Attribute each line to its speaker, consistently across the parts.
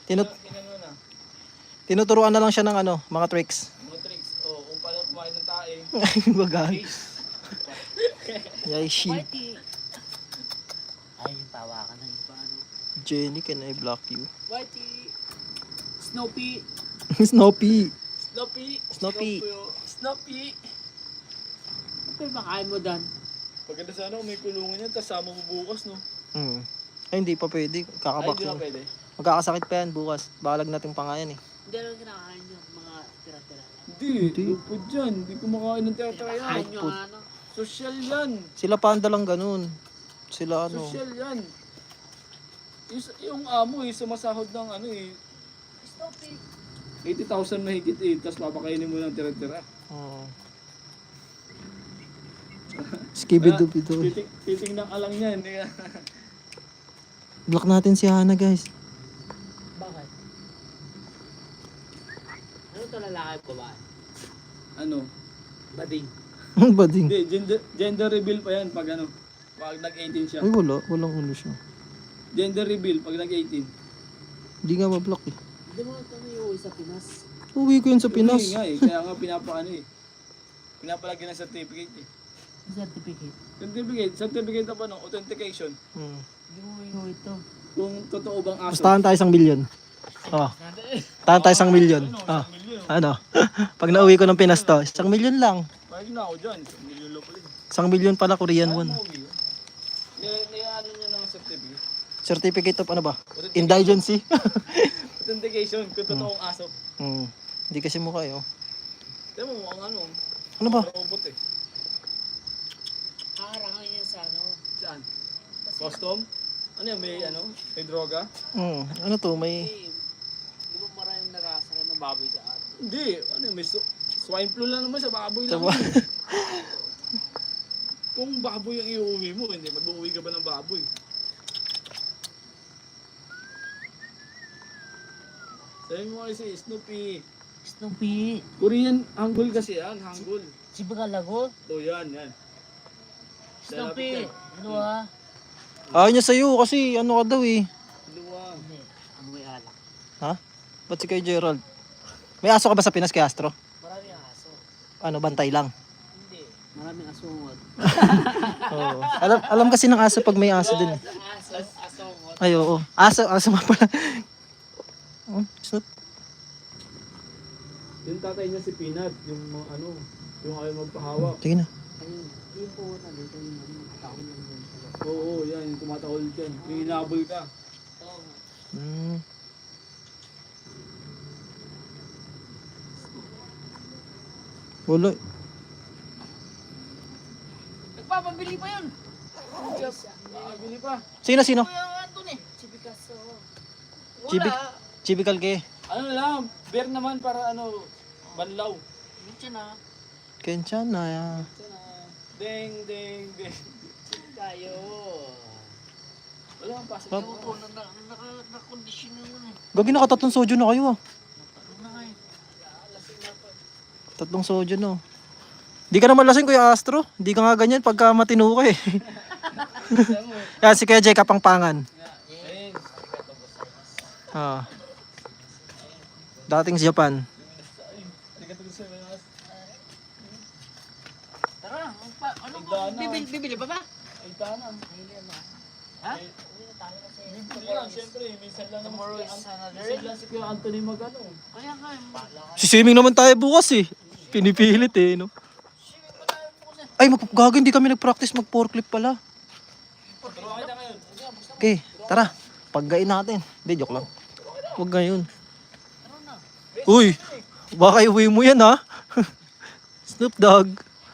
Speaker 1: Tinut
Speaker 2: Tingnan mo na.
Speaker 1: tinuturuan na lang siya ng ano, mga tricks.
Speaker 2: Mga tricks. Oh, kung paano kumain ng tae.
Speaker 1: Bagay. Yay, sheep.
Speaker 3: Whitey. Ay, yung tawa ka na yung paano.
Speaker 1: Jenny, can I block you?
Speaker 2: Whitey. Snoopy.
Speaker 1: Snoopy.
Speaker 2: Snoopy.
Speaker 1: Snoopy.
Speaker 2: Snoopy.
Speaker 3: Ano yung makain mo dan?
Speaker 2: Paganda sana kung may kulungan yan, tapos sama mo bukas, no?
Speaker 1: Ay, hindi pa pwede.
Speaker 2: Ay,
Speaker 1: Kakabak
Speaker 2: hindi na
Speaker 1: yun.
Speaker 2: pwede.
Speaker 1: Magkakasakit pa yan bukas. Balag natin pangayan eh.
Speaker 3: Hindi lang kinakain nyo. Mga tira-tira lang.
Speaker 2: Hindi. Lupod yan. Hindi kumakain ng tira-tira yan.
Speaker 3: Kinakain nyo
Speaker 1: Food.
Speaker 3: ano.
Speaker 2: Social yan.
Speaker 1: Sila panda lang ganun. Sila ano.
Speaker 2: Social yan. Yung amo eh, sumasahod ng ano eh,
Speaker 3: Snoopy.
Speaker 2: 80,000 mahigit eh, tapos papakainin mo ng tira-tira.
Speaker 1: Oo. Skibidoo.
Speaker 2: Titingnan ka lang yan.
Speaker 1: Block natin si Hana, guys.
Speaker 3: Bakit? Ano to lalaki o babae?
Speaker 2: Ano?
Speaker 3: Bading.
Speaker 1: Ang bading.
Speaker 2: Hindi, gender reveal pa yan pag ano, pag nag-18 siya.
Speaker 1: Ay, wala. Walang ulo siya.
Speaker 2: Gender reveal pag nag-18.
Speaker 1: Hindi nga mablock eh.
Speaker 3: Hindi mo kami uuwi sa Pinas.
Speaker 1: Uwi ko yun sa Pinas.
Speaker 2: Hindi nga eh, kaya nga pinapaano eh. Pinapalagyan ng certificate eh.
Speaker 3: Certificate.
Speaker 2: Certificate na ba no? Authentication.
Speaker 3: Hindi mo uuwi ito.
Speaker 2: Kung totoo bang aso.
Speaker 1: Bastahan tayo 1 million. Oh. Tahan tayo 1 million. Oh. Ano? Pag nauwi ko ng Pinas to, 1 million lang.
Speaker 2: Bakit na ako dyan? 1 million lang pala.
Speaker 1: 1 million pala Korean
Speaker 2: Ano
Speaker 1: won.
Speaker 2: mo uwi? Ano nyo ng certificate?
Speaker 1: Certificate of ano ba? Indigency.
Speaker 2: Authentication kung totoong aso.
Speaker 1: Hindi kasi mukha eh. Oh.
Speaker 2: Tignan mo mukhang ano.
Speaker 1: Ano ba?
Speaker 2: Robot eh.
Speaker 3: Haharangin niya sa ano.
Speaker 2: Saan? Custom? Ano yan? May ano? May droga?
Speaker 1: Ano to? May...
Speaker 3: Di ba maraming narasa ng baboy sa atin?
Speaker 2: Hindi. Ano yan? May swine flu lang naman sa baboy lang.
Speaker 1: Tama.
Speaker 2: Kung baboy ang iuwi mo, hindi mag-uwi ka ba ng baboy? Sabi mo kasi, Snoopy.
Speaker 3: Snoopy.
Speaker 2: Korean Hangul kasi yan, Hangul.
Speaker 3: Si Bagalago.
Speaker 2: So yan, yan.
Speaker 3: Snoopy. Ano ha?
Speaker 1: Ayaw niya sa'yo kasi ano ka daw eh.
Speaker 2: Luwa.
Speaker 3: Hindi. Ang may alak.
Speaker 1: Ha? Ba't si kay Gerald? May aso ka ba sa Pinas kay Astro?
Speaker 3: Maraming aso.
Speaker 1: Ano, bantay lang?
Speaker 3: Hindi. Maraming asungot.
Speaker 1: Oo. Alam kasi ng aso pag may aso din.
Speaker 3: Asungot.
Speaker 1: Ay, oo. Aso nga pala. Snoop.
Speaker 2: Yung tatay niya si Peanut, yung mga ano, yung ayaw magpahawak.
Speaker 1: Sige na.
Speaker 3: Ayun. Yung po nandito yung taon lang yun.
Speaker 2: Oo, yan, yung tumatahol dyan. Yung hinabol ka.
Speaker 3: Oo nga.
Speaker 1: Wala.
Speaker 3: Nagpapabili pa yun.
Speaker 2: Bili pa.
Speaker 1: Sino?
Speaker 3: Kuya Anton eh. Si Picasso.
Speaker 1: Chibi-
Speaker 3: Wala.
Speaker 1: Chibikal ke.
Speaker 2: Ano lang, beer naman para ano, banlaw.
Speaker 3: Minsan na.
Speaker 1: Kenshan na.
Speaker 2: Ding, ding, ding.
Speaker 3: Tayo.
Speaker 2: Wala kang pasok.
Speaker 3: Ewan ko, nakakondisyon na yun eh.
Speaker 1: Gagi nakatatlong soju na kayo ah.
Speaker 3: Ano na nga eh.
Speaker 1: Tatlong soju no. Di ka naman lasing Kuya Astro. Di ka nga ganyan pagka matino ka eh. Yan si Kuya Jay Kapangpangan.
Speaker 2: Ayun.
Speaker 1: Ah. Dating sa Japan.
Speaker 3: Tara, ano bibili pa ba?
Speaker 2: Ay, tana.
Speaker 3: Ha?
Speaker 2: Hindi lang, siyempre, minsan lang naman
Speaker 3: Tomorrow is another
Speaker 2: minsan lang si Kuya Anthony mag-ano.
Speaker 3: Kaya nga eh.
Speaker 1: Si swimming naman tayo bukas eh. Pinipilit eh no. Ay magagawa hindi kami nag-practice mag-forklift pala.
Speaker 2: Pero okay na ngayon.
Speaker 1: Okay, tara. Paggain natin. Hindi, joke lang. Huwag ngayon. Uy, baka iuwi mo yan ha. Snoop Dogg.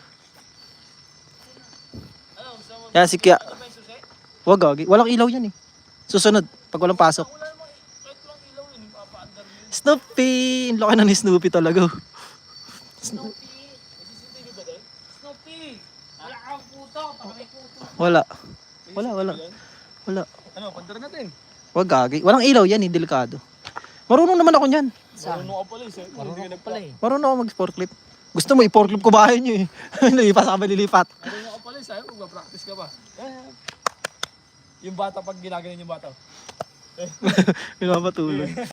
Speaker 1: Yan si Kya. Huwag gagi. Walang ilaw yan eh. Susunod, pag walang pasok. Snoopy! Ang laki na ni Snoopy talaga.
Speaker 3: Snoopy. Snoopy. Wala kang puto. Baka may puto.
Speaker 1: Wala. Wala.
Speaker 2: Ano, pandara natin.
Speaker 1: Huwag gagi. Walang ilaw yan eh, delikado. Marunong naman ako niyan.
Speaker 2: Marunong ka pala eh. Sir. Marunong ka pala eh.
Speaker 1: Marunong ako mag-forklift. Gusto mo i-forklift ko bahay niyo eh. Lilipat sa lilipat.
Speaker 2: Marunong ka pala eh. Sa'yo, magpa-practice ka ba? Yung bata pag ginaganon yung bata.
Speaker 1: Pinapatulog.